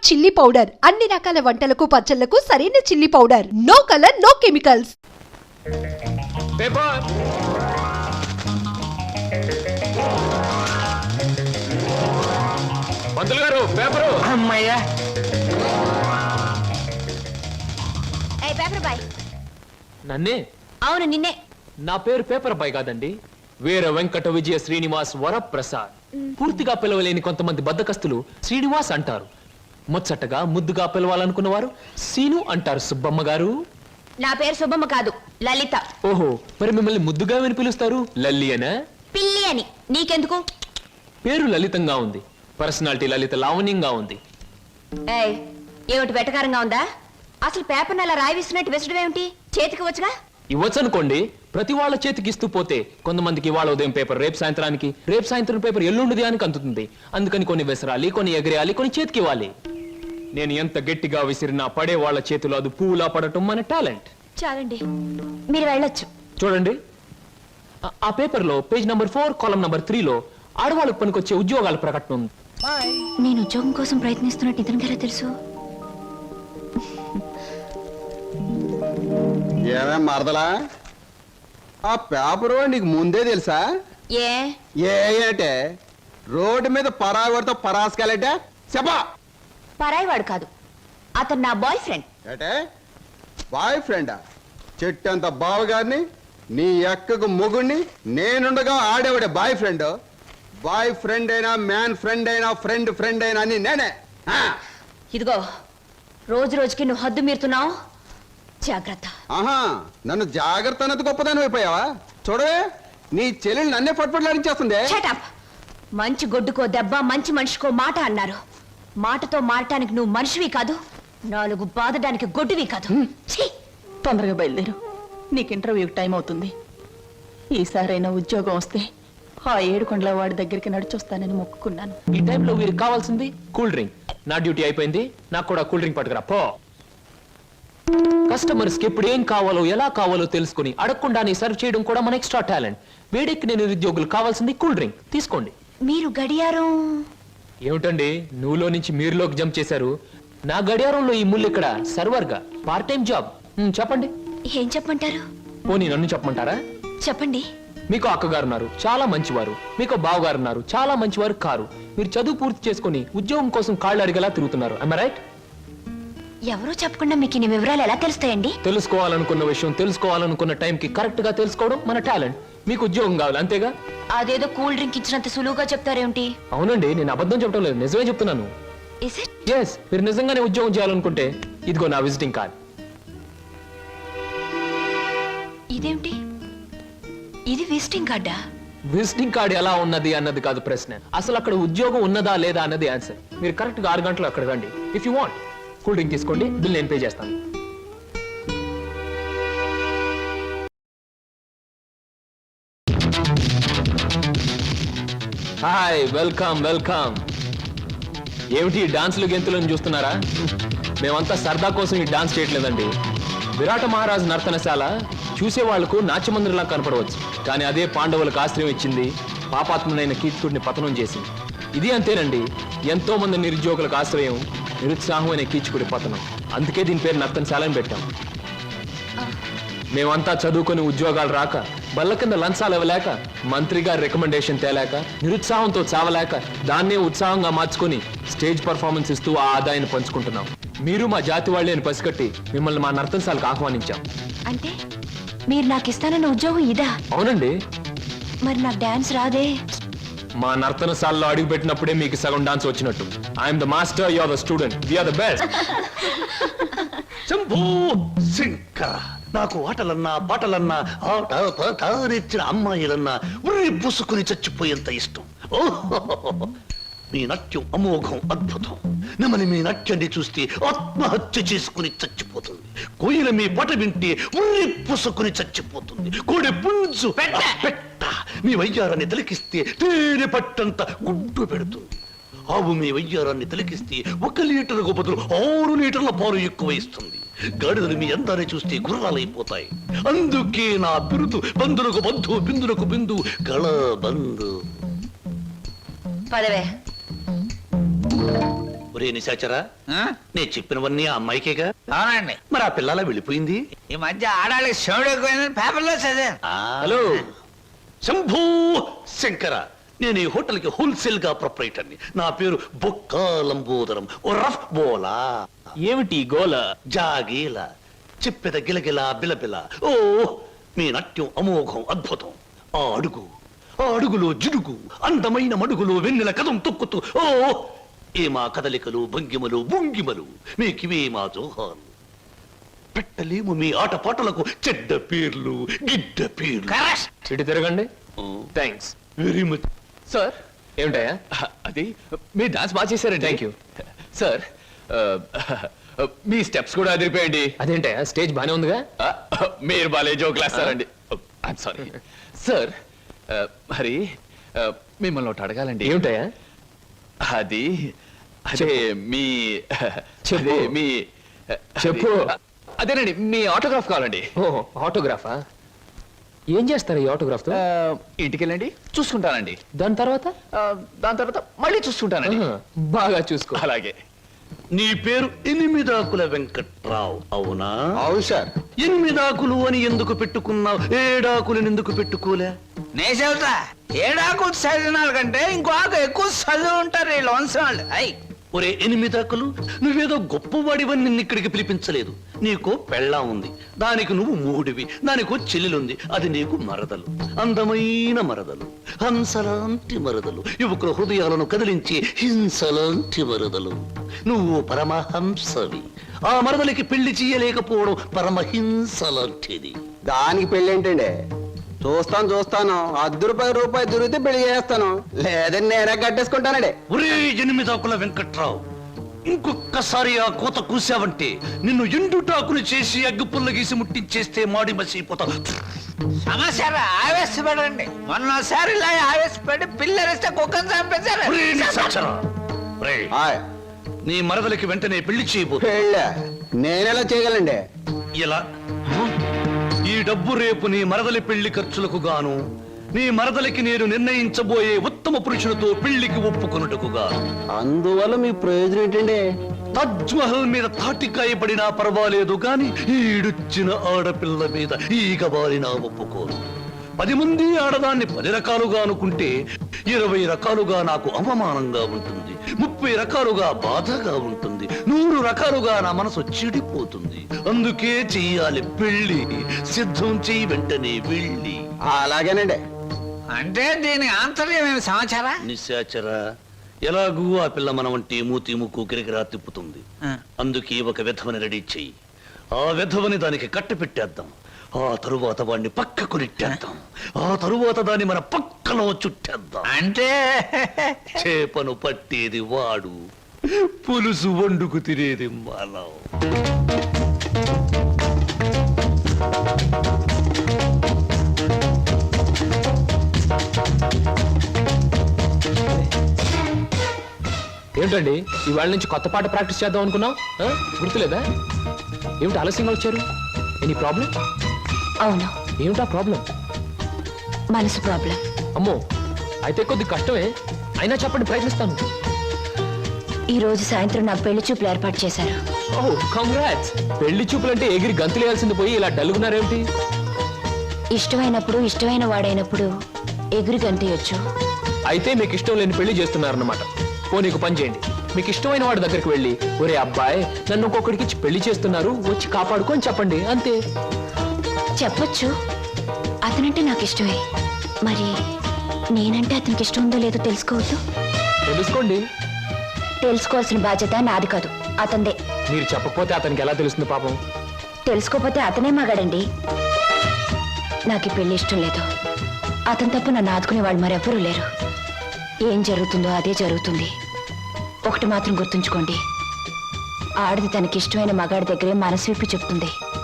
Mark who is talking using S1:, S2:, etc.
S1: Chilli powder అన్ని రకాల వంటలకు పచ్చళ్లకు సరైన chilli powder. No colour no chemicals.
S2: Paper పంతులు గారు పేపరు.
S3: అమ్మయ్యా
S4: పేపర్ బాయ్.
S2: నన్నే?
S4: అవును నిన్నే.
S2: నా పేరు పేపర్ బాయ్ కాదండి, వీర వెంకట విజయ శ్రీనివాస్ వరప్రసాద్. పూర్తిగా పిలవలేని కొంతమంది బద్దకస్తులు శ్రీనివాస్ అంటారు. ముచ్చటగా ముద్దుగా పిలవాలనుకున్న వారు సీను అంటారు. సుబ్బమ్మ గారు.
S4: నా పేరు సుబ్బమ్మ కాదు, లలిత.
S2: ఓహో, మరి మిమ్మల్ని ముద్దుగా విని పిలుస్తారు లల్లి అనా?
S4: పిల్లి అని. నీకెందుకు?
S2: పేరు లలితంగా ఉంది, పర్సనాలిటీ లలిత లావణ్యంగా ఉంది.
S4: ఏయ్, ఏమిటి వెటకారంగా ఉందా? అసలు పేపర్ అలా రాయిస్తున్నట్టు విసడం ఏమిటి? చేతికి వచ్చుగా.
S2: ఇవ్వచ్చనుకోండి, ప్రతి వాళ్ళ చేతికి ఇస్తూ పోతే కొంతమందికి ఇవాళ ఉదయం పేపర్ రేపు సాయంత్రానికి, రేపు సాయంత్రం పేపర్ ఎల్లుండి అని అందుతుంది. అందుకని కొన్ని విసరాలి, కొన్ని ఎగరేయాలి, కొన్ని చేతికి ఇవ్వాలి. నేను ఎంత గట్టిగా విసిరినా పడే వాళ్ళ చేతిలో అది పువ్వులా పడటం మన టాలెంట్.
S4: చాలండి, మీరు వెళ్ళొచ్చు.
S2: చూడండి, ఆ పేపర్ లో పేజ్ నంబర్ 4 కాలం నంబర్ 3 లో ఆడవాళ్ళకు పనికొచ్చే ఉద్యోగాల ప్రకటన ఉంది.
S4: నేను ఉద్యోగం కోసం ప్రయత్నిస్తున్నట్టు ఇతనికి ఎలా తెలుసు?
S3: ఏమే మరదలా, ఆ పేపరు నీకు ముందే తెలుసా? ఏంటే రోడ్డు మీద పరాగడితో పరాసుకెళ్ళటే చెప్పా.
S4: పరాయివాడు కాదు, అతను నా బాయ్ ఫ్రెండ్.
S3: ఏటే బాయ్ ఫ్రెండా? చెట్టంత బావగారిని, నీ ఎక్కకు మొగుణ్ణి, నేనుండగా ఆడేవాడే బాయ్ ఫ్రెండ్. బాయ్ ఫ్రెండ్ అయినా, మ్యాన్ ఫ్రెండ్ అయినా, ఫ్రెండ్ ఫ్రెండ్ అయినా అని నేనే.
S4: ఇదిగో, రోజు రోజుకి నువ్వు హద్దు మీరుతున్నావు, జాగ్రత్త.
S3: ఆహా, నన్ను జాగ్రత్త అన్నది గొప్పదాని అయిపోయావా? చూడవే, నీ చెల్లెలు నన్నే పట్టుపట్లాడించేస్తుంది.
S4: Shut up. మంచి గొడ్డుకో దెబ్బ, మంచి మనిషికో మాట అన్నారు. మాటతో మారటానికి నువ్వు మనిషివి కాదు, 4 బాధడానికి గొడ్డువి కాదు.
S5: తొందరగా బయలుదేరు, నీకు ఇంటర్వ్యూకి టైం అవుతుంది. ఈసారైనా ఉద్యోగం వస్తే ఆ 7 కొండల వాడి దగ్గరికి నడిచొస్తానని మొక్కుకున్నాను.
S2: ఈ టైంలో వీరికి కావాల్సింది కూల్ డ్రింక్. నా డ్యూటీ అయిపోయింది, నాకు కూడా కూల్ డ్రింక్ పట్టుకురా పో. కస్టమర్స్ కి ఎప్పుడు ఏం కావాలో ఎలా కావాలో తెలుసుకుని అడగకుండానే సర్వ్ చేయడం కూడా మన ఎక్స్ట్రా టాలెంట్. వేడెక్కిన నిరుద్యోగులు కావాల్సింది కూల్ డ్రింక్. తీసుకోండి.
S4: మీరు గడియారం
S2: ఏమిటండి, నువ్వులో నుంచి మీరులోకి జంప్ చేశారు? నా గడియారంలో ఈ ముళ్ళు ఇక్కడ సర్వర్ గా పార్ట్ టైం జాబ్. చెప్పండి.
S4: ఏం చెప్పమంటారు?
S2: పోనీ నన్ను చెప్పమంటారా?
S4: చెప్పండి.
S2: మీకు అక్కగారు ఉన్నారు, చాలా మంచివారు. మీకు బావగారు ఉన్నారు, చాలా మంచివారు కారు. మీరు చదువు పూర్తి చేసుకుని ఉద్యోగం కోసం కాళ్ళు అడిగేలా తిరుగుతున్నారు. I right?
S4: ఎవరో చెప్పకుండా మీకు ఇన్ని వివరాలు ఎలా తెలుస్తాయండి?
S2: తెలుసుకోవాలనుకున్న విషయం తెలుసుకోవాలనుకున్న టైంకి కరెక్ట్ గా తెలుసుకోవడం మన టాలెంట్. మీకు ఉద్యోగం కావాలి అంతేగా?
S4: అదేదో కూల్ డ్రింక్ ఇచ్చినంత సులువుగా చెప్తారేమిటి?
S2: అవునండి, నేను అబద్ధం చెప్పడం లేదు, నిజమే చెప్తున్నాను. ఎస్, మీరు నిజంగానే ఉద్యోగం చేయాలనుకుంటే ఇదిగో నా విజిటింగ్ కార్డ్.
S4: ఇదేమిటి? ఇది విజిటింగ్ కార్డా?
S2: విజిటింగ్ కార్డ్ ఎలా ఉన్నది అన్నది కాదు ప్రశ్న, అసలు అక్కడ ఉద్యోగం ఉన్నదా లేదా అన్నది ఆన్సర్. మీరు కరెక్ట్ గా 6 గంటలు అక్కడ రండి. If you want cool drink తీసుకోండి, బిల్ నేను పే చేస్తాను. Hi, welcome welcome. ఏమిటి డాన్సులు గెంతులను చూస్తున్నారా? మేమంతా సరదా కోసం ఈ డాన్స్ చేయట్లేదండి. విరాట మహారాజు నర్తనశాల చూసే వాళ్లకు నాట్యమందిరంలా కనపడవచ్చు, కానీ అదే పాండవులకు ఆశ్రయం ఇచ్చింది, పాపాత్మునైన కీచకుడిని పతనం చేసింది. ఇది అంతేనండి, ఎంతో మంది నిరుద్యోగులకు ఆశ్రయం, నిరుత్సాహం అనే కీచకుడి పతనం. అందుకే దీని పేరు నర్తనశాల అని పెట్టాం. మేమంతా చదువుకొని ఉద్యోగాలు రాక, బల్ల కింద లంచాలు ఇవ్వలేక, మంత్రి గారి రికమెండేషన్ తేలేక, నిరుత్సాహంతో చావలేక, దాన్నే ఉత్సాహంగా మార్చుకొని స్టేజ్ పర్ఫార్మెన్స్ ఇస్తూ ఆ ఆదాయాన్ని పంచుకుంటున్నాం. మీరు మా జాతి వాళ్ళే అని పసిగట్టి మిమ్మల్ని మా నర్తనశాలకు ఆహ్వానించాం.
S4: అంటే మీరు నాకు ఇస్తానన్న ఉద్యోగం ఇదా?
S2: అవునండి.
S4: మరి నాకు డాన్స్ రాదే?
S2: మా నర్తనశాలలో అడుగు పెట్టినప్పుడే మీకు సగం డాన్స్ వచ్చినట్టు. I'm the master, you are the student, we are the best.
S6: Shambhu Shankara, నాకు ఆటలన్నా పాటలన్నా ఆట పాట నేర్చిన అమ్మాయిలన్నా ఉర్రి పూసుకుని చచ్చిపోయేంత ఇష్టం. మీ నాట్యం అమోఘం, అద్భుతం. నమని మీ నాట్యాన్ని చూస్తే ఆత్మహత్య చేసుకుని చచ్చిపోతుంది. కోయిల మీ పాట వింటే ఉర్రి పూసుకుని చచ్చిపోతుంది. కోడి పుంజు పెట్ట మీ వయ్యారాన్ని తిలకిస్తే తేనె పట్టంత గుడ్డు పెడుతుంది. ఆవు మీ వయ్యారాన్ని తిలకిస్తే 1 లీటర్కు బదులు 6 లీటర్ల పాలు ఎక్కువ ఇస్తుంది. గాడిదలు మీ అందాన్ని చూస్తే గుర్రాలైపోతాయి. అందుకే నా బిరుదు బంధులకు బంధు, బిందులకు బిందు, గళ బంధు.
S4: పదవే.
S6: ఒరే నిశాచరా, నేను చెప్పినవన్నీ ఆ అమ్మాయికేగా?
S7: అవునండి.
S6: మరి ఆ పిల్లలా వెళ్ళిపోయింది.
S7: ఈ మధ్య ఆడాళ్ళకి శివుడు ఎక్కువైందని పేపర్లో చదివాను.
S6: హలో శంభూ శంకర, నేను ఈ హోటల్ కి హోల్సేల్ గా ప్రొపరేటర్ని. నా పేరు బొక్కా లంబోదరం రఫ్ బోలా.
S2: ఏమిటి గోల?
S6: జాగీల చెప్పెద గిలగిల బిలబిల. ఓ మీ నాట్యం అమోఘం అద్భుతం. ఆ అడుగులో జిడుగు, అందమైన మడుగులో వెన్నెల కథం తొక్కుతూ. ఓ ఏ మా కదలికలు భంగిమలు భుంగిమలు, మీకివే మా జోహాలు. పెట్టలేము మీ ఆటపాటలకు చెడ్డ పేర్లు గిడ్డ పేర్లు.
S7: కరెక్ట్.
S2: ఇటు తిరగండి. Thanks
S6: very much.
S2: సార్. ఏమిటయా?
S8: అది మీ డాన్స్ బాగా చేశారండి.
S2: Thank you
S8: sir. మీ స్టెప్స్ కూడా అదిరిపోయండి.
S2: అదేంటయా, స్టేజ్ బానే ఉందిగా?
S8: మీరు బాలే జోకులు వేస్తారండి. I'm sorry sir. మరి మిమ్మల్ని ఒకటి అడగాలండి.
S2: ఏమిటయా?
S8: అది అదే మీ
S2: చెప్పు.
S8: అదే మీ
S2: చెప్పు.
S8: అదేనండి మీ ఆటోగ్రాఫ్ కావాలండి.
S2: ఓ ఆటోగ్రాఫా? ఏం చేస్తారు ఈ ఆటోగ్రాఫ్ తో?
S8: ఇంటికి వెళ్ళండి, చూసుకుంటానండి.
S2: దాని తర్వాత?
S8: దాని తర్వాత మళ్ళీ చూసుకుంటానండి.
S2: ఆహా, బాగా చూసుకో.
S8: అలాగే.
S6: నీ పేరు ఎనిమిదాకుల వెంకట్రావు అవునా?
S3: అవును సార్.
S6: ఎనిమిదాకులు అని ఎందుకు పెట్టుకున్నావు? ఏడాకులను ఎందుకు పెట్టుకోలే?
S7: నే చెబుతా, ఏడాకులు చదివిన కంటే ఇంకో ఆకు ఎక్కువ చదివి ఉంటారు వీళ్ళు వంశవాళ్ళు. అయ్
S6: ఒరే ఎనిమిదాకులు, నువ్వేదో గొప్పవాడివని నిన్ను ఇక్కడికి పిలిపించలేదు. నీకో పెళ్ళాం ఉంది, దానికి నువ్వు మూడివి. దానికో చెల్లెలుంది, అది నీకు మరదలు. అందమైన మరదలు, హంసలాంటి మరదలు, యువకుల హృదయాలను కదిలించి హింసలాంటి మరదలు. నువ్వు పరమహంసవి. ఆ మరదలికి పెళ్లి చేయలేకపోవడం పరమహింస లాంటిది.
S3: దానికి పెళ్ళి ఏంటండి? చూస్తాను రూపాయి దొరికితే పెళ్లి చేస్తాను, లేదని నేనే కట్టేసుకుంటానండి.
S6: ఒరే ఎనిమిదాకుల వెంకట్రావు, ఇంకొక్కసారి ఆ కోత కూసావంటే నిన్ను ఎండుటాకులు చేసి అగ్గిపుల్ల గీసి ముట్టించేస్తే మాడి మసిపోతావు.
S7: సమస్య ఆవేశపడండి. మొన్నసారి ఇలా ఆవేశపడి పిల్లరిస్తే కుక్కను చంపేశారు.
S6: ఒరే నిశాచరా, ఒరేయ్,
S3: ఆయ్,
S6: నీ మరదలికి వెంటనే పెళ్లి చేయబో.
S3: పెళ్ళ నేనెలా చేయగలండి?
S6: ఇలా ఈ డబ్బు రేపు నీ మరదలి పెళ్లి ఖర్చులకు గాను, నీ మరదలికి నేను నిర్ణయించబోయే ఉత్తమ పురుషులతో పెళ్లికి ఒప్పుకొనుటకు గాను.
S3: అందువల్ల మీ ప్రయోజనం ఏంటండి?
S6: తాజ్ మహల్ మీద తాటికాయ పడినా పర్వాలేదు గాని ఈడుచ్చిన ఆడపిల్ల మీద ఈగ బారినా ఒప్పుకోను. 10 మంది ఆడదాన్ని 10 రకాలుగా అనుకుంటే 20 రకాలుగా నాకు అవమానంగా ఉంటుంది, 30 రకాలుగా బాధగా ఉంటుంది, 100 రకాలుగా నా మనసు చెడిపోతుంది. అందుకే చెయ్యాలి పెళ్లి. సిద్ధం చెయ్యి వెంటనే వెళ్ళి.
S3: అలాగేనండి.
S7: అంటే దీని ఆంతర్యమైన సమాచారా?
S6: నిశాచరా, ఎలాగూ ఆ పిల్ల మన వంటి మూతి ముక్కు కిరికిరా తిప్పుతుంది. అందుకే ఒక విధవని రెడీ చెయ్యి. ఆ విధవని దానికి కట్టి పెట్టేద్దాం. ఆ తరువాత వాడిని పక్కకు నెట్టేద్దాం. ఆ తరువాత దాన్ని మన పక్కలో చుట్టేద్దాం.
S7: అంటే
S6: చేపను పట్టేది వాడు, పులుసు వండుకు తినేది మనం.
S2: ఏమిటండి, ఇవాళ నుంచి కొత్త పాట ప్రాక్టీస్ చేద్దాం అనుకున్నాం, గుర్తులేదా? ఏమిటి ఆలస్యంగా వచ్చారు? Any problem?
S4: అవును,
S2: ఏమిటా ప్రాబ్లం?
S4: మనసు ప్రాబ్లం.
S2: అమ్మో, అయితే కొద్ది కష్టమే. అయినా చెప్పండి, ప్రయత్నిస్తాను.
S4: ఈ రోజు సాయంత్రం నాకు పెళ్లి చూపులు ఏర్పాటు చేశారు.
S2: Oh congrats. పెళ్లి చూపులంటే ఎగిరి గంతులేయాల్సింది పోయి ఇలా డల్గున్నారేమిటి?
S4: ఇష్టమైనప్పుడు ఇష్టమైన వాడైనప్పుడు ఎగురు గంతయొచ్చు.
S2: అయితే మీకు ఇష్టం లేని పెళ్లి చేస్తున్నారన్నమాట. ఓ నీకు పని చేయండి, మీకు ఇష్టమైన వాడి దగ్గరికి వెళ్ళి, ఒరే అబ్బాయి నన్ను ఇంకొకడికి ఇచ్చి పెళ్లి చేస్తున్నారు, వచ్చి కాపాడుకో అని చెప్పండి, అంతే.
S4: చెప్పొచ్చు, అతనంటే నాకు ఇష్టమే. మరి నేనంటే అతనికి ఇష్టం ఉందో లేదో తెలుసుకోవద్దు.
S2: తెలుసుకోండి.
S4: తెలుసుకోవాల్సిన బాధ్యత నాది కాదు, అతందే.
S2: మీరు చెప్పకపోతే అతనికి ఎలా తెలుస్తుంది పాపం?
S4: తెలుసుకోపోతే అతనే మగాడండి. నాకు ఈ పెళ్లి ఇష్టం లేదు. అతను తప్ప నన్ను ఆదుకునే వాళ్ళు మరెవ్వరూ లేరు. ఏం జరుగుతుందో అదే జరుగుతుంది. ఒకటి మాత్రం గుర్తుంచుకోండి, ఆడది తనకి ఇష్టమైన మగాడి దగ్గరే మనసు విప్పి చెప్తుంది.